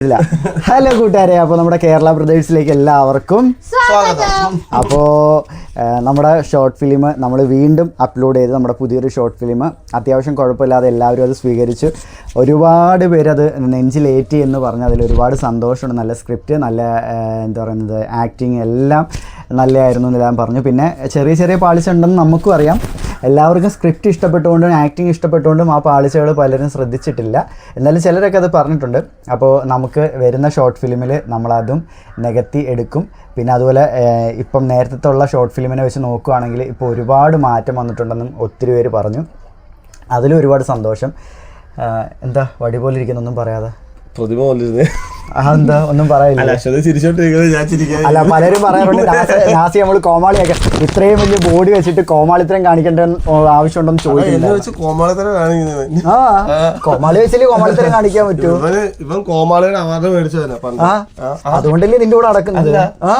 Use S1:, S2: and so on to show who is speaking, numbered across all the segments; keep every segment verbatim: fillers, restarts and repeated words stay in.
S1: Hello കൂട്ടുകാരെ, അപ്പോൾ നമ്മുടെ കേരള ബ്രദേഴ്സിലേക്ക് എല്ലാവർക്കും
S2: സ്വാഗതം.
S1: അപ്പോൾ നമ്മുടെ ഷോർട്ട് ഫിലിം നമ്മൾ വീണ്ടും അപ്ലോഡ് ചെയ്ത് നമ്മുടെ പുതിയൊരു ഷോർട്ട് ഫിലിം അത്യാവശ്യം കുഴപ്പമില്ലാതെ എല്ലാവരും അത് സ്വീകരിച്ചു. ഒരുപാട് പേരത് നെഞ്ചിലേറ്റി എന്ന് പറഞ്ഞ് അതിൽ ഒരുപാട് സന്തോഷമുണ്ട്. നല്ല സ്ക്രിപ്റ്റ്, നല്ല എന്താ പറയുന്നത്, ആക്ടിങ് എല്ലാം നല്ലതായിരുന്നു എന്നെല്ലാം പറഞ്ഞു. പിന്നെ ചെറിയ ചെറിയ പാളിച്ചുണ്ടെന്ന് നമുക്കും അറിയാം. എല്ലാവർക്കും സ്ക്രിപ്റ്റ് ഇഷ്ടപ്പെട്ടുകൊണ്ടും ആക്ടിങ് ഇഷ്ടപ്പെട്ടുകൊണ്ടും ആ പാളിച്ചകൾ പലരും ശ്രദ്ധിച്ചിട്ടില്ല. എന്നാലും ചിലരൊക്കെ അത് പറഞ്ഞിട്ടുണ്ട്. അപ്പോൾ നമുക്ക് വരുന്ന ഷോർട്ട് ഫിലിമിൽ നമ്മളതും നികത്തി എടുക്കും. പിന്നെ അതുപോലെ ഇപ്പം നേരത്തെ ഉള്ള ഷോർട്ട് ഫിലിമിനെ വെച്ച് നോക്കുകയാണെങ്കിൽ ഇപ്പോൾ ഒരുപാട് മാറ്റം വന്നിട്ടുണ്ടെന്നും ഒത്തിരി പേര് പറഞ്ഞു. അതിലും ഒരുപാട് സന്തോഷം. എന്താ വടി പോലെ ഇരിക്കുന്നൊന്നും പറയാതെ
S3: പ്രതിമ പോലിരുന്നേ.
S1: അതെന്താ ഒന്നും പറയില്ല. അല്ല, പലരും പറയാറുണ്ട് നാസി നമ്മൾ കോമാളിയൊക്കെ ഇത്രയും വലിയ ബോഡി വെച്ചിട്ട് കോമാളിത്തരം കാണിക്കേണ്ട ആവശ്യമുണ്ടെന്ന് ചോദിക്കില്ല. ആ കോമാളി വെച്ചില്ലേ കോമാളിത്തരം കാണിക്കാൻ പറ്റൂ?
S3: ഇവൻ കോമാളിയുടെ അവാർഡ് മേടിച്ചതന്നെ.
S1: അതുകൊണ്ടല്ലേ നിന്റെ കൂടെ നടക്കുന്നത്.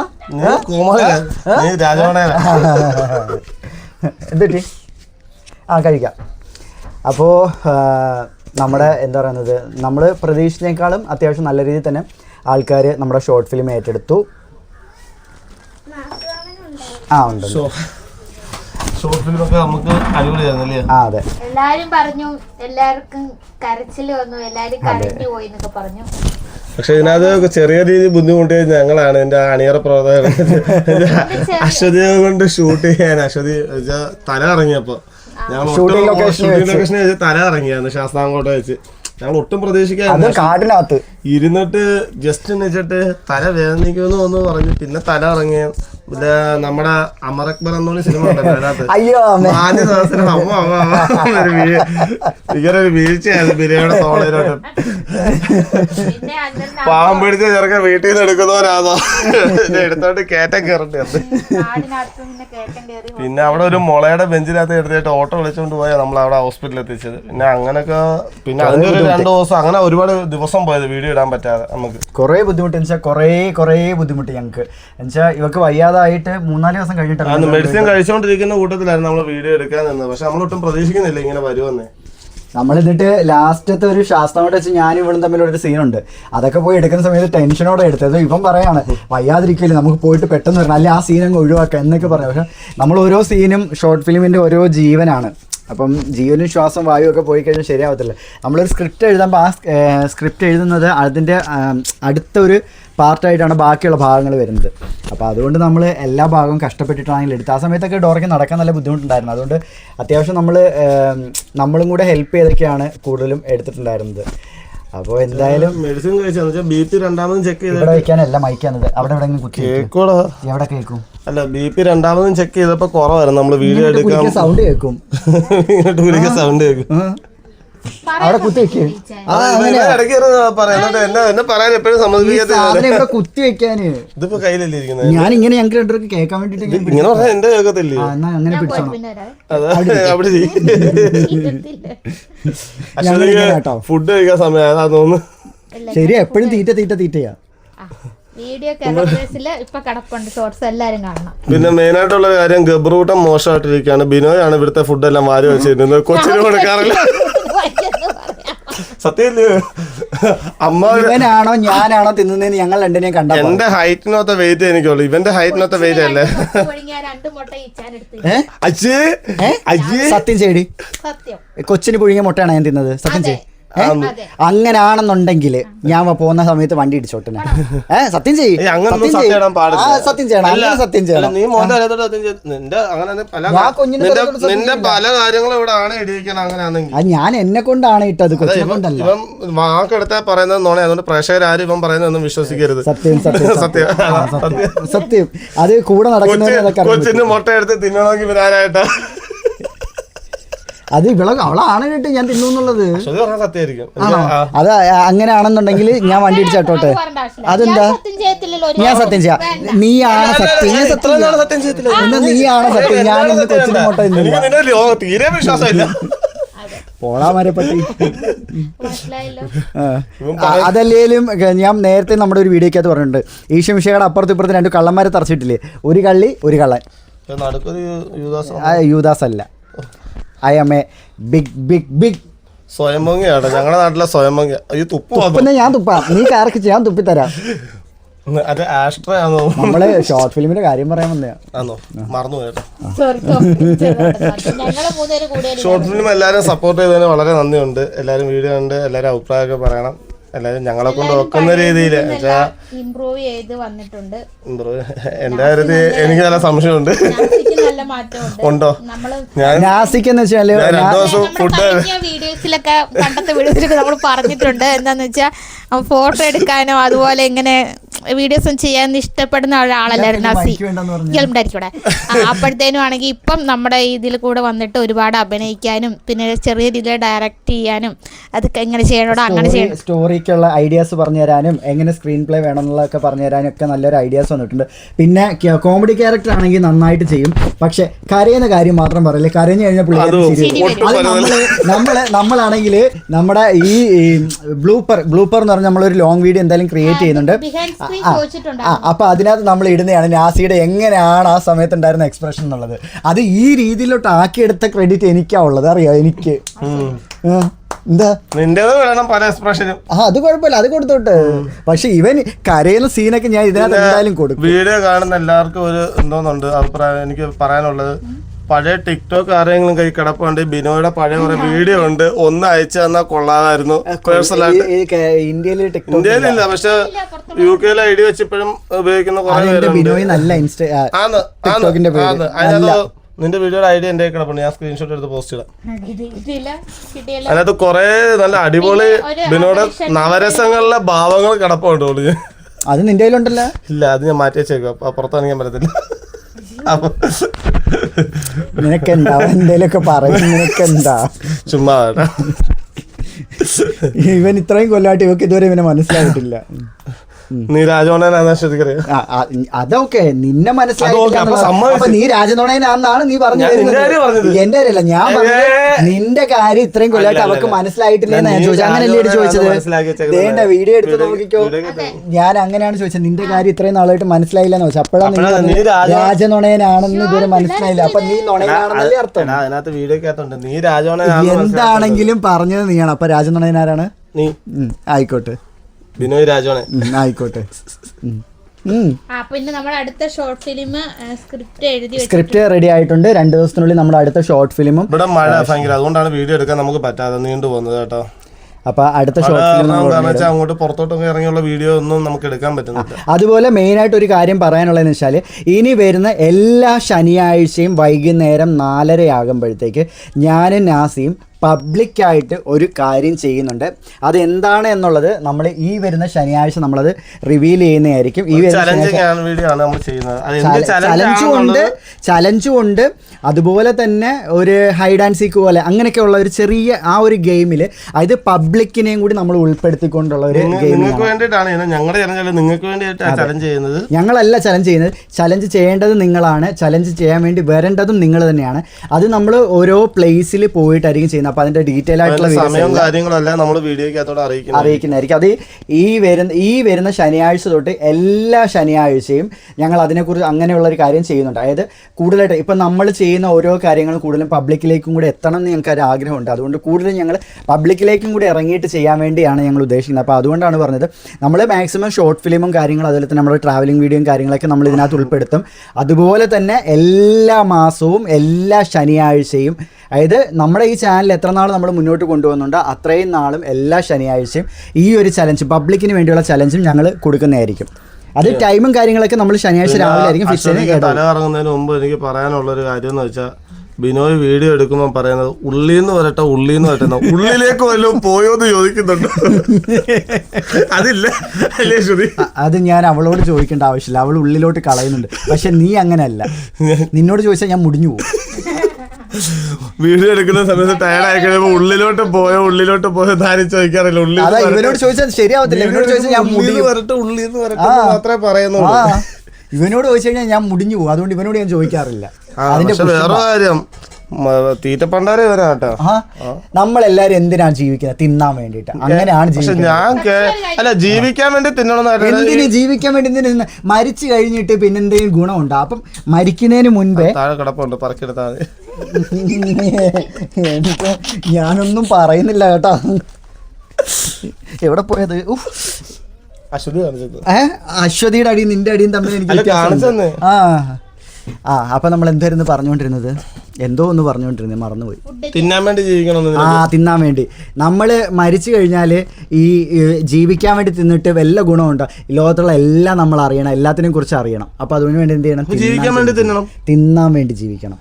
S1: എന്തിട്ടി ആ കഴിക്കാം. അപ്പോൾ നമ്മുടെ എന്താ പറയുന്നത്, നമ്മൾ പ്രതീക്ഷിച്ചതിനേക്കാളും അത്യാവശ്യം നല്ല രീതിയിൽ തന്നെ ആൾക്കാർ നമ്മുടെ ഷോർട്ട് ഫിലിം ഏറ്റെടുത്തു. ആ ഉണ്ട്
S3: ഷോർട്ട് ഫിലിമൊക്കെ നമുക്ക് അടിപൊളിയായിരുന്നല്ലേ?
S1: ആ അതെ,
S2: എല്ലാരും പറഞ്ഞു, എല്ലാവർക്കും കരച്ചില് വന്നു, എല്ലാരും കരഞ്ഞു പോയി എന്നൊക്കെ പറഞ്ഞു.
S3: പക്ഷെ ഇതിനകത്ത് ചെറിയ രീതിയിൽ ബുദ്ധിമുട്ട് ഞങ്ങളാണ്. എന്റെ അണിയറ പ്രവർത്തകർ അശ്വതിയെ കൊണ്ട് ഷൂട്ട് ചെയ്യാൻ. അശ്വതി തല ഇറങ്ങിയപ്പോ ഞങ്ങൾ ഷൂട്ടിംഗ് ലൊക്കേഷനിൽ വെച്ച് തല ഇറങ്ങിയായിരുന്നു ശാസ്താംകോട്ട വെച്ച്. ഞങ്ങൾ ഒട്ടും പ്രതീക്ഷിക്കാതെ
S1: കാട്ടിനകത്ത്
S3: ഇരുന്നിട്ട് ജസ്റ്റ് വെച്ചിട്ട് തല വേദനിക്കുമെന്ന് ഒന്ന് പറഞ്ഞു. പിന്നെ തല ഇറങ്ങിയ നമ്മുടെ അമർ അക്ബർ എന്നൊരു സിനിമ ഉണ്ടല്ലോ, അതിനകത്ത് നാല് ദിവസം അമ്മ ഇങ്ങനെ ഒരു വീഴ്ചയായിരുന്നു ബിരിയാണിയുടെ തോളയിലോട്ട്. പാവം പിടിച്ച ചെറുക്കൻ വീട്ടിൽ നിന്ന് എടുക്കുന്നവരാണോ എടുത്തോണ്ട് കയറ്റം കയറേണ്ടി വന്നു. പിന്നെ അവിടെ ഒരു മുളയുടെ ബെഞ്ചിനകത്ത് എടുത്തിട്ട് ഓട്ടോ വിളിച്ചുകൊണ്ട് പോയാൽ നമ്മൾ അവിടെ ഹോസ്പിറ്റലിൽ എത്തിച്ചത്. പിന്നെ അങ്ങനെയൊക്കെ പിന്നെ അതിന്റെ ഒരു രണ്ടു ദിവസം അങ്ങനെ ഒരുപാട് ദിവസം പോയത് വീഡിയോ ഇടാൻ പറ്റാതെ. നമുക്ക്
S1: കുറേ ബുദ്ധിമുട്ട് എന്ന് വെച്ചാൽ കുറേ കുറേ ബുദ്ധിമുട്ട് ഞങ്ങൾക്ക്. എന്നുവെച്ചാൽ ഇവർക്ക് വയ്യാതായിട്ട് മൂന്നാല് ദിവസം കഴിഞ്ഞിട്ടാണ്
S3: മെഡിസിൻ കഴിച്ചുകൊണ്ടിരിക്കുന്ന കൂട്ടത്തിലായിരുന്നു നമ്മൾ വീഡിയോ എടുക്കാൻ നിന്നത്. പക്ഷെ നമ്മളൊട്ടും പ്രതീക്ഷിക്കുന്നില്ല ഇങ്ങനെ വരുമെന്നേ.
S1: നമ്മൾ എന്നിട്ട് ലാസ്റ്റത്തെ ഒരു ശാസ്ത്രമായിട്ട് വെച്ച് ഞാനും ഇവളും തമ്മിലൊരു സീനുണ്ട്. അതൊക്കെ പോയി എടുക്കുന്ന സമയത്ത് ടെൻഷനോടെ എടുത്തത്. ഇവൻ പറയാണ് വയ്യാതിരിക്കില്ല, നമുക്ക് പോയിട്ട് പെട്ടെന്ന് വരണം, അല്ലെങ്കിൽ ആ സീൻ അങ്ങ് ഒഴിവാക്കാം എന്നൊക്കെ പറയാം. പക്ഷെ നമ്മൾ ഓരോ സീനും ഷോർട്ട് ഫിലിമിൻ്റെ ഓരോ ജീവനാണ്. അപ്പം ജീവനും ശ്വാസം വായു ഒക്കെ പോയി കഴിഞ്ഞാൽ ശരിയാവത്തില്ല. നമ്മളൊരു സ്ക്രിപ്റ്റ് എഴുതുമ്പോൾ ആ സ്ക്രിപ്റ്റ് എഴുതുന്നത് അതിൻ്റെ അടുത്തൊരു പാർട്ടായിട്ടാണ് ബാക്കിയുള്ള ഭാഗങ്ങൾ വരുന്നത്. അപ്പോൾ അതുകൊണ്ട് നമ്മൾ എല്ലാ ഭാഗവും കഷ്ടപ്പെട്ടിട്ടാണെങ്കിലും എടുത്ത് ആ സമയത്തൊക്കെ ഡോറയ്ക്ക് നടക്കാൻ നല്ല ബുദ്ധിമുട്ടുണ്ടായിരുന്നു. അതുകൊണ്ട് അത്യാവശ്യം നമ്മൾ നമ്മളും കൂടെ ഹെൽപ്പ് ചെയ്തൊക്കെയാണ് കൂടുതലും എടുത്തിട്ടുണ്ടായിരുന്നത്. അപ്പോൾ എന്തായാലും
S3: മെഡിസിൻ കഴിച്ചാൽ ബി പി രണ്ടാമതും ചെക്ക് ചെയ്ത്
S1: ഇവിടെ വയ്ക്കാനല്ല മൈക്കാനത് അവിടെ എവിടെ കുത്തി എവിടെ കേൾക്കും.
S3: അല്ല, ബി പി രണ്ടാമതും ചെക്ക് ചെയ്തപ്പോ കുറവായിരുന്നു. നമ്മള് വീഡിയോ എടുക്കാൻ
S1: സൗണ്ട് കേൾക്കും,
S3: ഇങ്ങോട്ട് വിളിക്കാൻ സൗണ്ട് കേൾക്കും.
S1: അവിടെ കുത്തി വെക്കേ
S3: പറയാൻ
S1: കുത്തി വെക്കാന്
S3: ഇതിപ്പോ കയ്യിലല്ലേ ഇരിക്കുന്നത്.
S1: ഞാൻ ഇങ്ങനെ ഞങ്ങൾക്ക് രണ്ടുപേർക്ക് കേൾക്കാൻ വേണ്ടിട്ട്
S3: ഇങ്ങനെ പറഞ്ഞാൽ എന്റെ കേൾക്കത്തില്ലേ?
S1: അങ്ങനെ പിടിച്ചോണം.
S3: ഫുഡ് കഴിക്കാൻ സമയം അതാ തോന്നുന്നു.
S1: ശരി, എപ്പോഴും തീറ്റ തീറ്റ തീറ്റയാ.
S3: പിന്നെ മെയിൻ ആയിട്ടുള്ള കാര്യം ഗബ്രൂട്ടം മോശമായിട്ടിരിക്കുകയാണ്. ബിനോയാണ് ഇവിടുത്തെ ഫുഡെല്ലാം വാരി വെച്ചിരുന്നത്. കൊച്ചിന് കൊടുക്കാറില്ല. സത്യല്ലേ? അമ്മ
S1: ഇവനാണോ ഞാനാണോ തിന്നുന്നതെന്ന് ഞങ്ങൾ രണ്ടിനെയും കണ്ട.
S3: എന്റെ ഹൈറ്റിനൊത്ത വെയിറ്റ് എനിക്കുള്ളൂ, ഇവന്റെ ഹൈറ്റിനൊത്ത വെയിറ്റ് അല്ലേ.
S1: സത്യം ചെയ്യടി, കൊച്ചിന് പുഴുങ്ങിയ മുട്ടയാണ് ഞാൻ തിന്നത്. സത്യം ചെയ്. അങ്ങനാണെന്നുണ്ടെങ്കിൽ ഞാൻ പോകുന്ന സമയത്ത് വണ്ടി ഇടിച്ചോട്ടെ. ഏഹ് സത്യം ചെയ്യും, സത്യം ചെയ്യണം, അങ്ങനെ സത്യം ചെയ്യണം.
S3: നിന്റെ പല കാര്യങ്ങളും ഇവിടെ ആണ് ഇടിയിക്കണം. അങ്ങനെയാണെങ്കിൽ
S1: ഞാൻ എന്നെ കൊണ്ടാണ് ഇട്ടത്, കൊച്ചിനെ കൊണ്ടല്ല.
S3: ഇവൻ വാക്കെടുത്താ പറയുന്നത് നോണേ. അതുകൊണ്ട് പ്രേക്ഷകർ ആരും ഇവൻ പറയുന്നതൊന്നും വിശ്വസിക്കരുത്.
S1: സത്യം സത്യം സത്യം സത്യം. അത് കൂടെ നടക്കുന്ന
S3: കൊച്ചിന് മുട്ട എടുത്ത് തിന്നണമെങ്കിൽ ഇവനാരായിട്ടാ
S1: അത് ഇവളെ അവളാണ് കേട്ട് ഞാൻ തിന്നു എന്നുള്ളത്. അത് അങ്ങനെയാണെന്നുണ്ടെങ്കിൽ ഞാൻ വണ്ടി ഇടിച്ചോട്ടെ. അതെന്താ ഞാൻ സത്യം ചെയ്യാം? നീയാണ് സത്യം, സത്യം എന്നാ നീയാണ് സത്യം. ഞാൻ ഇന്ന് കൊച്ചിനെ മുട്ട തിന്നില്ല.
S3: തീരെ വിശ്വാസമില്ല.
S1: പോളാ മരപ്പട്ടി. അതല്ലേലും ഞാൻ നേരത്തെ നമ്മുടെ ഒരു വീഡിയോക്കകത്ത് പറഞ്ഞിട്ടുണ്ട്, ഈശോമിശിഹായുടെ അപ്പുറത്തും ഇപ്പുറത്ത് രണ്ട് കള്ളന്മാരെ തറച്ചിട്ടില്ലേ, ഒരു കള്ളി ഒരു കള്ളൻ. യൂദാസ് അല്ല, I am a big big big
S3: സ്വയം പൊങ്ങിയാട്ടോ ഞങ്ങളുടെ നാട്ടിലെ സ്വയം പൊങ്ങി. ഈ തുപ്പ്
S1: തുപ്പുന്ന ഞാൻ തുപ്പാം, നീ കാർക്ക് ഞാൻ തുപ്പിത്തരാം.
S3: അത് ആസ്ട്രോ ആണോ?
S1: നമ്മള് ഷോർട്ട് ഫിലിമിന്റെ കാര്യം പറയാൻ വന്നതാ.
S3: ആണോ? മറന്നു പോയിട്ടോ.
S2: ഞങ്ങള് മൂന്നുപേരും കൂടെ
S3: ഷോർട്ട് ഫിലിം എല്ലാവരും സപ്പോർട്ട് ചെയ്തതിന് വളരെ നന്ദിയുണ്ട്. എല്ലാവരും വീഡിയോ കണ്ട് എല്ലാവരും അഭിപ്രായമൊക്കെ പറയണം. എല്ലാവരും ഞങ്ങളെ കൊണ്ട് ഒക്കുന്ന രീതിയിൽ
S2: ഇംപ്രൂവ് ചെയ്ത് വന്നിട്ടുണ്ട്.
S3: എന്റെ കാര്യത്തിൽ എനിക്ക് നല്ല സംശയമുണ്ട്.
S2: നല്ല മാറ്റമുണ്ട്.
S3: ഉണ്ടോ?
S2: നമ്മള്
S3: ഞാൻ
S1: നാസിക്കെന്ന് വെച്ചാല്
S3: രണ്ടു ദിവസം ഫുഡ്
S2: വീഡിയോസിലൊക്കെ പണ്ടത്തെ വീഡിയോസിലൊക്കെ നമ്മൾ പറഞ്ഞിട്ടുണ്ട്. എന്താന്ന് വെച്ചാൽ ഫോട്ടോ എടുക്കാനോ അതുപോലെ ഇങ്ങനെ വീഡിയോസും ചെയ്യാൻ ഇഷ്ടപ്പെടുന്ന ഒരാളല്ലായിരുന്നു നാസി. ഉണ്ടായിരിക്കൂടെ. അപ്പോഴത്തേനും ആണെങ്കിൽ ഇപ്പം നമ്മുടെ ഇതിൽ കൂടെ വന്നിട്ട് ഒരുപാട് അഭിനയിക്കാനും പിന്നെ ചെറിയ രീതിയിൽ ഡയറക്റ്റ് ചെയ്യാനും അതൊക്കെ എങ്ങനെ ചെയ്യണോടോ അങ്ങനെ ചെയ്യണം,
S1: സ്റ്റോറിക്കുള്ള ഐഡിയാസ് പറഞ്ഞു തരാനും എങ്ങനെ സ്ക്രീൻ പ്ലേ വേണം എന്നുള്ളതൊക്കെ പറഞ്ഞു തരാനും ഒക്കെ നല്ലൊരു ഐഡിയാസ് വന്നിട്ടുണ്ട്. പിന്നെ കോമഡി ക്യാരക്ടർ ആണെങ്കിൽ നന്നായിട്ട് ചെയ്യും, പക്ഷെ കരയുന്ന കാര്യം മാത്രം പറയില്ല. കരഞ്ഞു കഴിഞ്ഞാൽ നമ്മള് നമ്മളാണെങ്കിൽ നമ്മുടെ ഈ ബ്ലൂപ്പർ ബ്ലൂപ്പർ എന്ന് പറഞ്ഞാൽ നമ്മളൊരു ലോങ് വീഡിയോ എന്തായാലും ക്രിയേറ്റ് ചെയ്യുന്നുണ്ട്. ആ അപ്പൊ അതിനകത്ത് നമ്മൾ ഇടുന്നതാണ് നാസിയുടെ എങ്ങനെയാണ് ആ സമയത്ത് ഉണ്ടായിരുന്ന എക്സ്പ്രഷൻ എന്നുള്ളത്. അത് ഈ രീതിയിലോട്ട് ആക്കിയെടുത്ത ക്രെഡിറ്റ് എനിക്കാ ഉള്ളത്, അറിയോ? എനിക്ക് എന്താ
S3: പല എക്സ്പ്രഷനും
S1: ആ അത് കുഴപ്പമില്ല, അത് കൊടുത്തോട്ട്. പക്ഷെ ഇവൻ കരയുന്ന സീനൊക്കെ ഞാൻ ഇതിനകത്ത് എന്തായാലും കൊടുക്കും.
S3: വീഡിയോ കാണുന്ന എല്ലാവർക്കും ഒരു എന്തോന്നുണ്ട് അഭിപ്രായം എനിക്ക് പറയാനുള്ളത്. പഴയ ടിക്ടോക്ക് ആരെങ്കിലും കൈ കിടപ്പുണ്ട്, ബിനോയുടെ പഴയ കുറെ വീഡിയോ ഉണ്ട്, ഒന്ന് അയച്ചു തന്നാൽ കൊള്ളാമായിരുന്നു. പേഴ്സണലായിട്ട് ഇന്ത്യയിലില്ല, പക്ഷെ യു കെയിലെ ഐ ഡി വെച്ചിപ്പോഴും ഉപയോഗിക്കുന്ന കുറെ
S1: ബിനോയ് നല്ല
S3: നിന്റെ വീഡിയോയുടെ ഐഡിയ എന്റെ കിടപ്പുണ്ട്, ഞാൻ സ്ക്രീൻഷോട്ട് എടുത്ത് പോസ്റ്റ് ചെയ്യാം. അതിനകത്ത് കുറെ നല്ല അടിപൊളി ബിനോയുടെ നവരസങ്ങളിലെ ഭാവങ്ങൾ കിടപ്പുണ്ട്.
S1: അത് നിന്റെ കയ്യിലുണ്ടല്ലോ?
S3: ഇല്ല, അത് ഞാൻ മാറ്റി വെച്ചേക്കും, അപ്പൊ പുറത്തിറങ്ങാൻ പറ്റത്തില്ല.
S1: നിനക്കെന്താ എന്തേലൊക്കെ പറയും, നിനക്കെന്താ
S3: ചുമ്മാ.
S1: ഇവൻ ഇത്രയും കൊല്ലാട്ട് ഇവക്ക് ഇതുവരെ ഇവനെ മനസ്സിലായിട്ടില്ല.
S3: നീ രാജോണനാ ശ്രദ്ധിക്കറിയ
S1: അതൊക്കെ നിന്നെ മനസ്സിലായി. നീ രാജനോണനാണെന്നാണ് നീ പറഞ്ഞത്. എന്റെ കാര്യമല്ല, ഞാൻ പറഞ്ഞത് നിന്റെ കാര്യം ഇത്രയും കൊല്ലാട്ട് അവക്ക് മനസ്സിലായിട്ടില്ലെന്ന് ഞാൻ ചോദിച്ചത്. അങ്ങനെയല്ലേ ചോദിച്ചത്? വേണ്ട, വീഡിയോ എടുത്ത് നോക്കിക്കോ. ഞാൻ അങ്ങനെയാണ് ചോദിച്ചത്, നിന്റെ കാര്യം ഇത്രയും നാളായിട്ട് മനസ്സിലായില്ലെന്ന് ചോദിച്ചത്. അപ്പോഴാണ് നീ രാജനോണനാണെന്ന് ഇതുവരെ മനസ്സിലായില്ല. അപ്പൊ നീ നുണയനാണെന്നല്ലേ അർത്ഥം?
S3: അതിനകത്ത് വീഡിയോക്കകത്തുണ്ട് നീ രാജോണ
S1: എന്താണെങ്കിലും പറഞ്ഞത് നീയാണ്. അപ്പൊ രാജനോണനാരാണ്?
S3: നീ.
S1: ആയിക്കോട്ടെ,
S3: ബിനോയ് രാജോണെ
S1: ആയിക്കോട്ടെ.
S2: പിന്നെ നമ്മുടെ അടുത്ത ഷോർട്ട് ഫിലിം സ്ക്രിപ്റ്റ് എഴുതി
S1: സ്ക്രിപ്റ്റ് റെഡി ആയിട്ടുണ്ട്. രണ്ട് ദിവസത്തിനുള്ളിൽ നമ്മുടെ അടുത്ത ഷോർട്ട് ഫിലിമും.
S3: ഇവിടെ മഴ ഭയങ്കര, അതുകൊണ്ടാണ് വീഡിയോ എടുക്കാൻ നമുക്ക് പറ്റാതെ നീണ്ടു പോകുന്നത് കേട്ടോ.
S1: അപ്പൊ അടുത്ത ഷോർട്ട് ഫിലിം
S3: അങ്ങോട്ട് പുറത്തോട്ടൊക്കെ ഇറങ്ങിയുള്ള വീഡിയോ ഒന്നും നമുക്ക് എടുക്കാൻ പറ്റുന്നില്ല.
S1: അതുപോലെ മെയിൻ ആയിട്ട് ഒരു കാര്യം പറയാനുള്ളതെന്ന് വെച്ചാൽ, ഇനി വരുന്ന എല്ലാ ശനിയാഴ്ചയും വൈകുന്നേരം നാലരയാകുമ്പോഴത്തേക്ക് ഞാനും നാസിയും പബ്ലിക്കായിട്ട് ഒരു കാര്യം ചെയ്യുന്നുണ്ട്. അതെന്താണ് എന്നുള്ളത് നമ്മൾ ഈ വരുന്ന ശനിയാഴ്ച നമ്മളത് റിവീൽ ചെയ്യുന്നതായിരിക്കും. ഈ ചലഞ്ചും ഉണ്ട് ചലഞ്ചും ഉണ്ട് അതുപോലെ തന്നെ ഒരു ഹൈഡ് ആൻഡ് സീക്ക് പോലെ അങ്ങനെയൊക്കെ ഉള്ള ഒരു ചെറിയ ആ ഒരു ഗെയിമിൽ, അതായത് പബ്ലിക്കിനെയും കൂടി നമ്മൾ ഉൾപ്പെടുത്തിക്കൊണ്ടുള്ള ഒരു
S3: ചെയ്യുന്നത്.
S1: ഞങ്ങളല്ല ചലഞ്ച് ചെയ്യുന്നത്, ചലഞ്ച് ചെയ്യേണ്ടത് നിങ്ങളാണ്. ചലഞ്ച് ചെയ്യാൻ വേണ്ടി വരേണ്ടതും നിങ്ങൾ തന്നെയാണ്. അത് നമ്മൾ ഓരോ പ്ലേസിൽ പോയിട്ടായിരിക്കും ചെയ്യുന്നത്. അപ്പോൾ അതിന്റെ ഡീറ്റെയിൽ ആയിട്ടുള്ള അറിയിക്കുന്നതായിരിക്കും. അത് ഈ വരുന്ന ഈ വരുന്ന ശനിയാഴ്ച തൊട്ട് എല്ലാ ശനിയാഴ്ചയും ഞങ്ങൾ അതിനെക്കുറിച്ച് അങ്ങനെയുള്ള ഒരു കാര്യം ചെയ്യുന്നുണ്ട്. അതായത് കൂടുതലായിട്ട് ഇപ്പം നമ്മൾ ചെയ്യുന്ന ഓരോ കാര്യങ്ങളും കൂടുതലും പബ്ലിക്കിലേക്കും കൂടി എത്തണം എന്ന് ഞങ്ങൾക്ക് ഒരു ആഗ്രഹമുണ്ട്. അതുകൊണ്ട് കൂടുതലും ഞങ്ങൾ പബ്ലിക്കിലേക്കും കൂടി ഇറങ്ങിയിട്ട് ചെയ്യാൻ വേണ്ടിയാണ് ഞങ്ങൾ ഉദ്ദേശിക്കുന്നത്. അപ്പോൾ അതുകൊണ്ടാണ് പറഞ്ഞത്, നമ്മൾ മാക്സിമം ഷോർട്ട് ഫിലിമും കാര്യങ്ങളും അതുപോലെ തന്നെ നമ്മുടെ ട്രാവലിംഗ് വീഡിയോയും കാര്യങ്ങളൊക്കെ നമ്മൾ ഇതിനകത്ത് ഉൾപ്പെടുത്തും. അതുപോലെ തന്നെ എല്ലാ മാസവും എല്ലാ ശനിയാഴ്ചയും, അതായത് നമ്മുടെ ഈ ചാനൽ എത്ര നാൾ നമ്മൾ മുന്നോട്ട് കൊണ്ടുപോകുന്നുണ്ട് അത്രയും നാളും എല്ലാ ശനിയാഴ്ചയും ഈ ഒരു ചലഞ്ച്, പബ്ലിക്കിന് വേണ്ടിയുള്ള ചലഞ്ചും ഞങ്ങൾ കൊടുക്കുന്നതായിരിക്കും. അത് ടൈമും കാര്യങ്ങളൊക്കെ നമ്മൾ ശനിയാഴ്ച രാവിലെ ആയിരിക്കും ഫിക്സ് ചെയ്യുന്നത്.
S3: തല കറങ്ങുന്നതിന് മുമ്പ് എനിക്ക് പറയാനുള്ളൊരു കാര്യം എന്ന് വെച്ചാൽ, ബിനോയ് വീഡിയോ എടുക്കുമ്പോൾ പറയുന്നത് ഉള്ളിന്ന് വരട്ടെ ഉള്ളിന്ന് വരട്ടെ, ഉള്ളിലേക്ക് വല്ലതും പോയോന്ന് ചോദിക്കുന്നുണ്ട്. അതില്ല അല്ലേ ശ്രുതി?
S1: അത് ഞാൻ അവളോട് ചോദിക്കേണ്ട ആവശ്യമില്ല, അവൾ ഉള്ളിലോട്ട് കളയുന്നുണ്ട്. പക്ഷെ നീ അങ്ങനെയല്ല, നിന്നോട് ചോദിച്ചാൽ ഞാൻ മുടിഞ്ഞു പോകും.
S3: വീഡിയോ എടുക്കുന്ന സമയത്ത് ടയർഡ് ആയി കഴിയുമ്പോ ഉള്ളിലോട്ട് പോയോ ഉള്ളിലോട്ട് പോയോ ധാരി ചോദിക്കാറില്ല. ഉള്ളി
S1: ഇവനോട് ചോദിച്ചാൽ ശരിയാവത്തില്ല. ഇവനോട് ചോദിച്ചാൽ ഞാൻ മുടിഞ്ഞു
S3: വരട്ടെ ഉള്ളിന്ന് വരട്ടെ മാത്രമേ പറയുന്നു.
S1: ഇവനോട് ചോദിച്ചു കഴിഞ്ഞാൽ ഞാൻ മുടിഞ്ഞു പോകും. അതുകൊണ്ട് ഇവനോട് ഞാൻ ചോദിക്കാറില്ല.
S3: അതിന്റെ വേറെ കാര്യം, തീറ്റപ്പണ്ടാരെ വരാ കേട്ടോ.
S1: നമ്മളെല്ലാരും എന്തിനാണ് ജീവിക്കുന്നത്? തിന്നാൻ വേണ്ടിട്ട്. അങ്ങനെയാണ് ജീവിക്കുന്നത്.
S3: ഞാൻ അല്ല ജീവിക്കാൻ വേണ്ടി തിന്നണം.
S1: എന്തിന് ജീവിക്കാൻ വേണ്ടി? എന്തിന്? മരിച്ചു കഴിഞ്ഞിട്ട് പിന്നെ എന്തെങ്കിലും ഗുണമുണ്ടോ? അപ്പം മരിക്കുന്നതിന് മുൻപേ
S3: താഴെ കിടപ്പുണ്ട്, പറക്കെടുത്താൽ
S1: എനിക്ക് ഞാനൊന്നും പറയുന്നില്ല കേട്ടോ. എവിടെ പോയത്?
S3: അശ്വതി കാണിച്ചത്.
S1: ഏഹ് അശ്വതിയുടെ അടിയും നിന്റെ അടിയും തമ്മിൽ എനിക്ക് ആ ആ അപ്പൊ നമ്മൾ എന്തായിരുന്നു പറഞ്ഞുകൊണ്ടിരുന്നത്? എന്തോ ഒന്ന് പറഞ്ഞുകൊണ്ടിരുന്നത്, മറന്നുപോയി.
S3: തിന്നാൻ വേണ്ടി ജീവിക്കണം.
S1: ആ തിന്നാൻ വേണ്ടി. നമ്മൾ മരിച്ചു കഴിഞ്ഞാൽ ഈ ജീവിക്കാൻ വേണ്ടി തിന്നിട്ട് വല്ല ഗുണമുണ്ടോ? ലോകത്തുള്ള എല്ലാം നമ്മൾ അറിയണം, എല്ലാത്തിനെയും കുറിച്ച് അറിയണം. അപ്പൊ അതിനു വേണ്ടി എന്ത് ചെയ്യണം?
S3: ജീവിക്കാൻ വേണ്ടി തിന്നണം.
S1: തിന്നാൻ വേണ്ടി ജീവിക്കണം.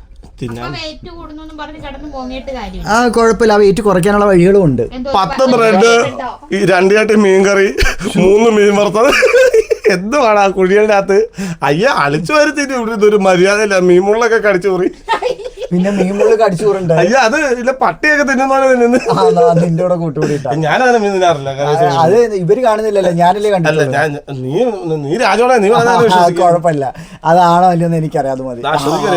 S1: ആ കുഴപ്പമില്ല, ആ വെയിറ്റ് കുറയ്ക്കാനുള്ള വഴികളും ഉണ്ട്.
S3: പത്ത് ബ്രെഡ്, രണ്ട് ചട്ടി മീൻകറി, മൂന്ന് മീൻ വറുത്തത്. എന്തുവാണ് ആ കുഴിയുടെ അകത്ത്? അയ്യ അളിച്ചു വരുത്തിട്ട് ഇവിടെ ഇതൊരു മര്യാദയില്ല. മീൻമുള്ളൊക്കെ കടിച്ചു കൂറി.
S1: പിന്നെ മീൻമുള്ള കടിച്ചു കൂറുണ്ട്.
S3: അയ്യ അത് ഇല്ല, പട്ടിയൊക്കെ തിന്നുന്നതാണ് തിന്നുന്നത്.
S1: നിന്റെ കൂടെ കൂട്ടുകൂടിയിട്ടാ.
S3: ഞാനങ്ങനെ മീൻ തിന്നാറില്ല.
S1: അത് ഇവര് കാണുന്നില്ലല്ലോ, ഞാനല്ലേ കണ്ടില്ല.
S3: നീ നീ രാജോടെ നീ
S1: കുഴപ്പമില്ല. അതാണോ അല്ലയോന്ന് എനിക്കറിയാം. അത് മതി.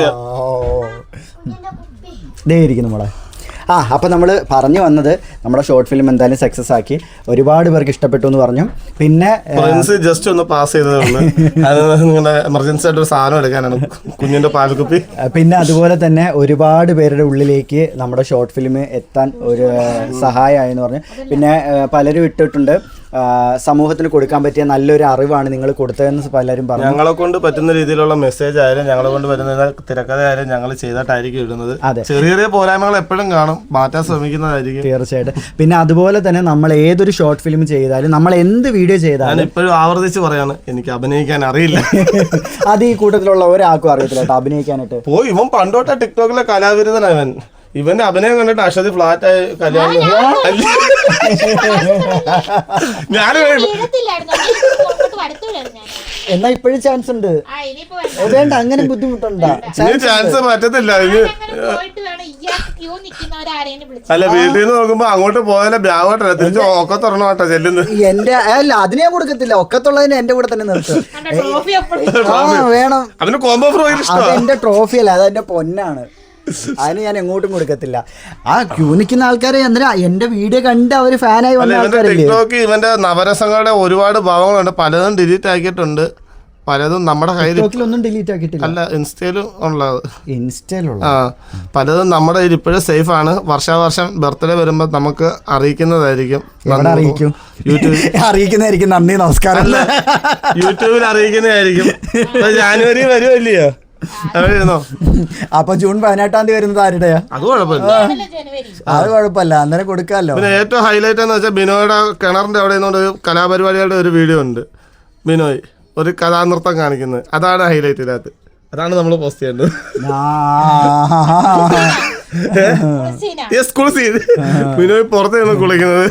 S1: ദേ ഇരിക്കുന്നു മോളെ. ആ അപ്പം നമ്മൾ പറഞ്ഞു വന്നത് നമ്മുടെ ഷോർട്ട് ഫിലിം എന്തായാലും സക്സസ് ആക്കി, ഒരുപാട് പേർക്ക് ഇഷ്ടപ്പെട്ടു എന്ന് പറഞ്ഞു. പിന്നെ
S3: ജസ്റ്റ് ഒന്ന് പാസ് ചെയ്തതാണ്, നിങ്ങളുടെ എമർജൻസി ആയിട്ട് ഒരു സാധനം എടുക്കാനാണ്, കുഞ്ഞിന്റെ പാൽക്കുപ്പി.
S1: പിന്നെ അതുപോലെ തന്നെ ഒരുപാട് പേരുടെ ഉള്ളിലേക്ക് നമ്മുടെ ഷോർട്ട് ഫിലിം എത്താൻ ഒരു സഹായമായി എന്ന് പറഞ്ഞു. പിന്നെ പലരും ഇട്ടിട്ടുണ്ട് സമൂഹത്തിന് കൊടുക്കാൻ പറ്റിയ നല്ലൊരു അറിവാണ് നിങ്ങൾ കൊടുത്തതെന്ന് പലരും പറഞ്ഞു.
S3: ഞങ്ങളെ കൊണ്ട് പറ്റുന്ന രീതിയിലുള്ള മെസ്സേജ് ആയാലും ഞങ്ങളെ കൊണ്ട് പറ്റുന്ന തിരക്കഥ ആയാലും ഞങ്ങൾ ചെയ്തിട്ടായിരിക്കും ഇടുന്നത്. ചെറിയ ചെറിയ പോരായ്മകൾ എപ്പോഴും കാണും, മാറ്റാൻ ശ്രമിക്കുന്നതായിരിക്കും
S1: തീർച്ചയായിട്ടും. പിന്നെ അതുപോലെ തന്നെ നമ്മൾ ഏതൊരു ഷോർട്ട് ഫിലിം ചെയ്താലും, നമ്മൾ എന്ത് വീഡിയോ ചെയ്താലും,
S3: ഞാൻ ഇപ്പോഴും ആവർത്തിച്ച് പറയാണ്, എനിക്ക് അഭിനയിക്കാൻ അറിയില്ല.
S1: അത് ഈ കൂട്ടത്തിലുള്ള ഒരാൾക്കും അറിയത്തില്ല കേട്ടോ അഭിനയിക്കാനായിട്ട്.
S3: പോയി ഇവൻ പണ്ടോട്ടെ ടിക്ടോക്കിലെ കലാവിരുദ്ധനാണ് ഇവൻ. ഇവന്റെ അഭിനയം കണ്ടിട്ട് അശ്വതി ഫ്ലാറ്റ് ആയി കല്യാണം. ഞാൻ
S1: എന്നാ ഇപ്പോഴും ചാൻസ് ഉണ്ട്. വേണ്ട, അങ്ങനെ ബുദ്ധിമുട്ടുണ്ടോ?
S3: ചാൻസ് പറ്റത്തില്ല. അല്ല വീട്ടിൽ നിന്ന് നോക്കുമ്പോ അങ്ങോട്ട് പോയാലേ ബ്യാഗോട്ടല്ല, തിരിച്ച് ഒക്കത്തുറണോട്ടോ ചെല്ലുന്നത്.
S1: എന്റെ അല്ല അതിന് ഞാൻ കൊടുക്കത്തില്ല, ഒക്കത്തുള്ളതിന് എന്റെ കൂടെ തന്നെ നിർത്തും. വേണം.
S3: അതിന് കോംബോ ഫ്രോ
S1: അത് എന്റെ ട്രോഫി അല്ല, അത് എന്റെ പൊന്നാണ്. അതിന് ഞാൻ എങ്ങോട്ടും കൊടുക്കത്തില്ല. ആ ക്യൂ നിൽക്കുന്ന ആൾക്കാരെ എന്തിനാ എന്റെ വീഡിയോ കണ്ട് അവര് ഫാനായി വന്ന ആൾക്കാരല്ലേ.
S3: ടിക്ടോക്ക് ഇവന്റെ നവരസങ്ങളുടെ ഒരുപാട് ഭാവങ്ങളുണ്ട്, പലതും ഡിലീറ്റ് ആക്കിയിട്ടുണ്ട്, പലതും നമ്മുടെ കയ്യിൽ
S1: ഒന്നും ഡിലീറ്റ് ആക്കിയിട്ടില്ല.
S3: അല്ല ഇൻസ്റ്റയിലും ഉള്ളത്.
S1: ഇൻസ്റ്റയിലുള്ള
S3: ആ പലതും നമ്മുടെ കയ്യിൽ ഇപ്പോഴും സേഫ് ആണ്. വർഷാവർഷം ബർത്ത്ഡേ വരുമ്പോൾ നമുക്ക് അറിയിക്കുന്നതായിരിക്കും.
S1: അറിയിക്കും, യൂട്യൂബിൽ അറിയിക്കുന്നതായിരിക്കും. നന്ദി നമസ്കാരം.
S3: യൂട്യൂബിൽ അറിയിക്കുന്നതായിരിക്കും. ജാനുവരി വരുമല്ലയോ?
S1: അപ്പൊ ജൂൺ പതിനെട്ടാം തീയതി വരുന്നത് ആരുടെയാ?
S3: അത് കുഴപ്പമില്ല,
S1: അത് കുഴപ്പമില്ല, അന്നേരം കൊടുക്കാമല്ലോ.
S3: പിന്നെ ഏറ്റവും ഹൈലൈറ്റ് എന്ന് വെച്ചാൽ ബിനോയുടെ കിണറിന്റെ അവിടെ നിന്നുകൊണ്ട് ഒരു കലാപരിപാടികളുടെ ഒരു വീഡിയോ ഉണ്ട്. ബിനോയ് ഒരു കഥാനൃത്തം കാണിക്കുന്നത്, അതാണ് ഹൈലൈറ്റ്. ഇതിനകത്ത് അതാണ് നമ്മൾ പോസ്റ്റ് ചെയ്യേണ്ടത്. സ്കൂൾ സീൻ ബിനോയ് പുറത്ത് നിന്ന് കുളിക്കുന്നത്.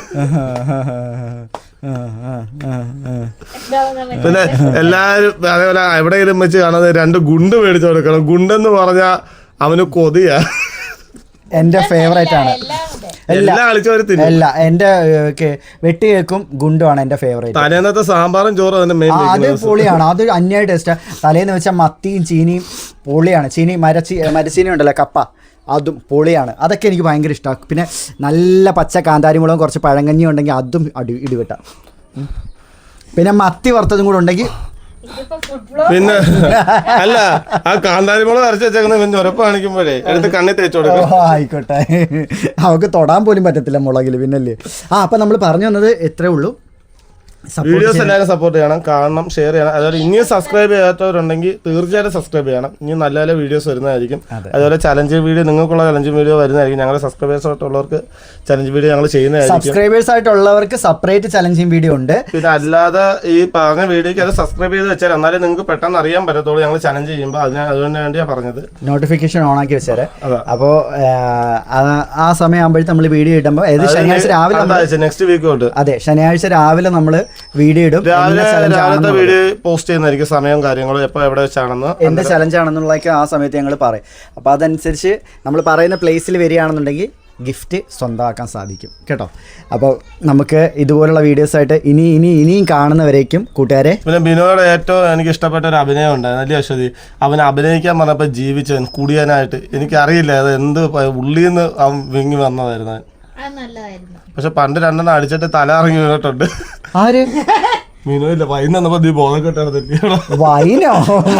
S3: പിന്നെ എല്ലാരും അതേപോലെ എവിടെയെങ്കിലും വെച്ച് കാണുന്നത് രണ്ട് ഗുണ്ട് മേടിച്ചു കൊടുക്കണം. ഗുണ്ടെന്ന് പറഞ്ഞാ അവന് കൊതിയാ.
S1: എന്റെ ഫേവറേറ്റ് ആണ്. അല്ല എന്റെ വെട്ടി കേക്കും ഗുണ്ടുമാണ് എന്റെ ഫേവറേറ്റ്.
S3: തലേന്നത്തെ സാമ്പാറും ചോറും
S1: അത് പൊളിയാണ്, അത് അന്യായ ടേസ്റ്റാ. തലേന്ന് വെച്ചാൽ മത്തിയും ചീനിയും പൊളിയാണ്. ചീനി മരച്ചീ മരച്ചീനി ഉണ്ടല്ലോ, കപ്പ, അതും പൊളിയാണ്. അതൊക്കെ എനിക്ക് ഭയങ്കര ഇഷ്ടമാണ്. പിന്നെ നല്ല പച്ച കാന്താരിമുളകും കുറച്ച് പഴങ്കഞ്ഞി ഉണ്ടെങ്കിൽ അതും അടി ഇടിവിട്ട. പിന്നെ മത്തി വറുത്തതും കൂടെ ഉണ്ടെങ്കിൽ
S3: പിന്നെ അല്ല ആ കാന്താരിമുളക് അരച്ച് വെച്ചേക്കുന്ന ഉറപ്പ് കാണിക്കുമ്പോഴേ എടുത്ത് കണ്ണി തേച്ച് കൊടുക്കും.
S1: ആയിക്കോട്ടെ, അവർക്ക് തൊടാൻ പോലും പറ്റത്തില്ല മുളകിൽ. പിന്നല്ലേ. ആ അപ്പം നമ്മൾ പറഞ്ഞു വന്നത് എത്രേ ഉള്ളൂ.
S3: വീഡിയോസ് എല്ലാവരും സപ്പോർട്ട് ചെയ്യണം, കാണണം, ഷെയർ ചെയ്യണം. അതുപോലെ ഇനിയും സബ്സ്ക്രൈബ് ചെയ്യാത്തവരുണ്ടെങ്കിൽ തീർച്ചയായിട്ടും സബ്സ്ക്രൈബ് ചെയ്യണം. ഇനി നല്ല നല്ല വീഡിയോസ് വരുന്നതായിരിക്കും. അതുപോലെ ചലഞ്ച് വീഡിയോ, നിങ്ങൾക്കുള്ള ചലഞ്ച് വീഡിയോ വരുന്നതായിരിക്കും. ഞങ്ങളുടെ സബ്സ്ക്രൈബേഴ്സ് ആയിട്ടുള്ളവർക്ക് ചലഞ്ച് വീഡിയോ ഞങ്ങൾ ചെയ്യുന്നതായിരിക്കും.
S1: സബ്സ്ക്രൈബേഴ്സ് ആയിട്ടുള്ളവർക്ക് സെപ്പറേറ്റ് ചലഞ്ചിങ് വീഡിയോ ഉണ്ട്.
S3: പിന്നെ അല്ലാതെ ഈ പറഞ്ഞ വീഡിയോക്ക് അത് സബ്സ്ക്രൈബ് ചെയ്ത് വെച്ചാൽ എന്നാലേ നിങ്ങൾക്ക് പെട്ടെന്ന് അറിയാൻ പറ്റത്തുള്ളൂ ഞങ്ങൾ ചലഞ്ച് ചെയ്യുമ്പോൾ. അതിന് അതുകൊണ്ട് വേണ്ടിയാണ് പറഞ്ഞത്.
S1: നോട്ടിഫിക്കേഷൻ ഓൺ ആക്കി വെച്ചാൽ അപ്പോൾ ആ സമയം ആകുമ്പോഴത്തെ നമ്മൾ വീഡിയോ ഇടുമ്പോൾ ഏത് ശനിയാഴ്ച രാവിലെ
S3: നെക്സ്റ്റ് വീക്ക് തൊട്ട്
S1: അതെ ശനിയാഴ്ച രാവിലെ നമ്മൾ വീഡിയോ ഇടും.
S3: രാവിലത്തെ വീഡിയോ പോസ്റ്റ് ചെയ്യുന്നതായിരിക്കും സമയവും കാര്യങ്ങളും എപ്പോൾ എവിടെ വെച്ചാണെന്ന്,
S1: എന്ത് ചലഞ്ച് ആണെന്നുള്ളതൊക്കെ ആ സമയത്ത് ഞങ്ങൾ പറയും. അപ്പോൾ അതനുസരിച്ച് നമ്മൾ പറയുന്ന പ്ലേസിൽ വരികയാണെന്നുണ്ടെങ്കിൽ ഗിഫ്റ്റ് സ്വന്തമാക്കാൻ സാധിക്കും കേട്ടോ. അപ്പോൾ നമുക്ക് ഇതുപോലുള്ള വീഡിയോസായിട്ട് ഇനി ഇനി ഇനിയും കാണുന്നവരേക്കും കൂട്ടുകാരെ.
S3: പിന്നെ ബിനോയുടെ ഏറ്റവും എനിക്ക് ഇഷ്ടപ്പെട്ട ഒരു അഭിനയം ഉണ്ടായിരുന്നു അല്ലേ അശ്വതി? അവൻ അഭിനയിക്കാൻ പറഞ്ഞപ്പോൾ ജീവിച്ചവൻ കുടിയാനായിട്ട് എനിക്കറിയില്ല അത് എന്ത് ഉള്ളിൽ നിന്ന് അവൻ വിങ്ങി വന്നതായിരുന്നു. പക്ഷെ പണ്ട് രണ്ടെണ്ണം അടിച്ചിട്ട് തല ഇറങ്ങി വീണിട്ടുണ്ട്.
S1: ആര്?
S3: മീനോ ഇല്ല വൈകുന്ന വന്നപ്പോ നീ ബോധം കെട്ടാണ്.
S1: വൈനോ?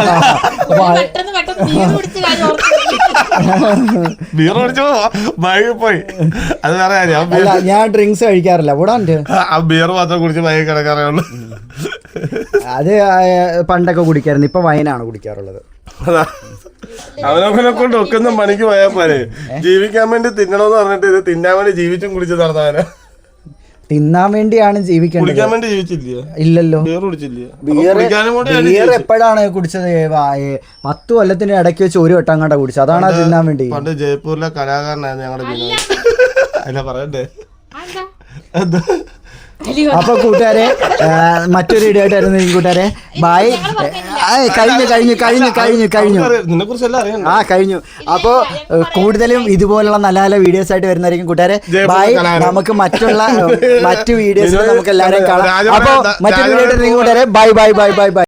S3: ബീർ കുടിച്ചോ ബൈക്കിൽ പോയി. അത് വേറെ കാര്യം.
S1: ഞാൻ ഡ്രിങ്ക്സ് കഴിക്കാറില്ല. ഇവിടെ ഉണ്ട്
S3: ആ ബിയർ മാത്രം കുടിച്ച് ബൈക്കിൽ കിടക്കാറേ ഉള്ളു.
S1: അത് പണ്ടൊക്കെ കുടിക്കാറുണ്ട്, ഇപ്പൊ വൈനാണ് കുടിക്കാറുള്ളത്.
S3: അവനവനെ കൊണ്ട് ഒക്കുന്ന പണിക്ക് പോയാൽ പോരെ. ജീവിക്കാൻ വേണ്ടി തിന്നണമെന്ന് പറഞ്ഞിട്ട് ഇത് തിന്നാൻ വേണ്ടി ജീവിച്ചും കുടിച്ച് നടന്നവനെ.
S1: തിന്നാൻ വേണ്ടിയാണ് ജീവിക്കേണ്ടത്.
S3: കുടിക്കാൻ വേണ്ടി ജീവിച്ചില്ല.
S1: ഇല്ലല്ലോ.
S3: ബിയർ കുടിച്ചില്ല.
S1: ബിയർ എപ്പോഴാണ് കുടിച്ചത്? പത്ത് കൊല്ലത്തിന് ഇടയ്ക്ക് വെച്ച് ഒരു വട്ടം കണ്ട കുടിച്ചത്. അതാണ് തിന്നാൻ വേണ്ടി.
S3: പണ്ട് ജയ്പൂരിലെ കലാകാരനായിരുന്നു ഞങ്ങളുടെ ബിനോയ്. അല്ല പറയണ്ടേ.
S1: അപ്പൊ കൂട്ടുകാരെ മറ്റൊരു വീഡിയോ ആയിട്ടായിരുന്നു കൂട്ടുകാരെ. ബൈ. കഴിഞ്ഞു കഴിഞ്ഞു കഴിഞ്ഞു കഴിഞ്ഞു കഴിഞ്ഞു ആ കഴിഞ്ഞു. അപ്പോ കൂടുതലും ഇതുപോലുള്ള നല്ല നല്ല വീഡിയോസ് ആയിട്ട് വരുന്നതായിരിക്കും കൂട്ടുകാരെ. ബൈ. നമുക്ക് മറ്റുള്ള മറ്റു വീഡിയോസ് നമുക്ക് എല്ലാവരെയും കാണാം. അപ്പൊ മറ്റൊരു വീഡിയോ ആയിട്ട് കൂട്ടുകാരെ bye bye bye bye by.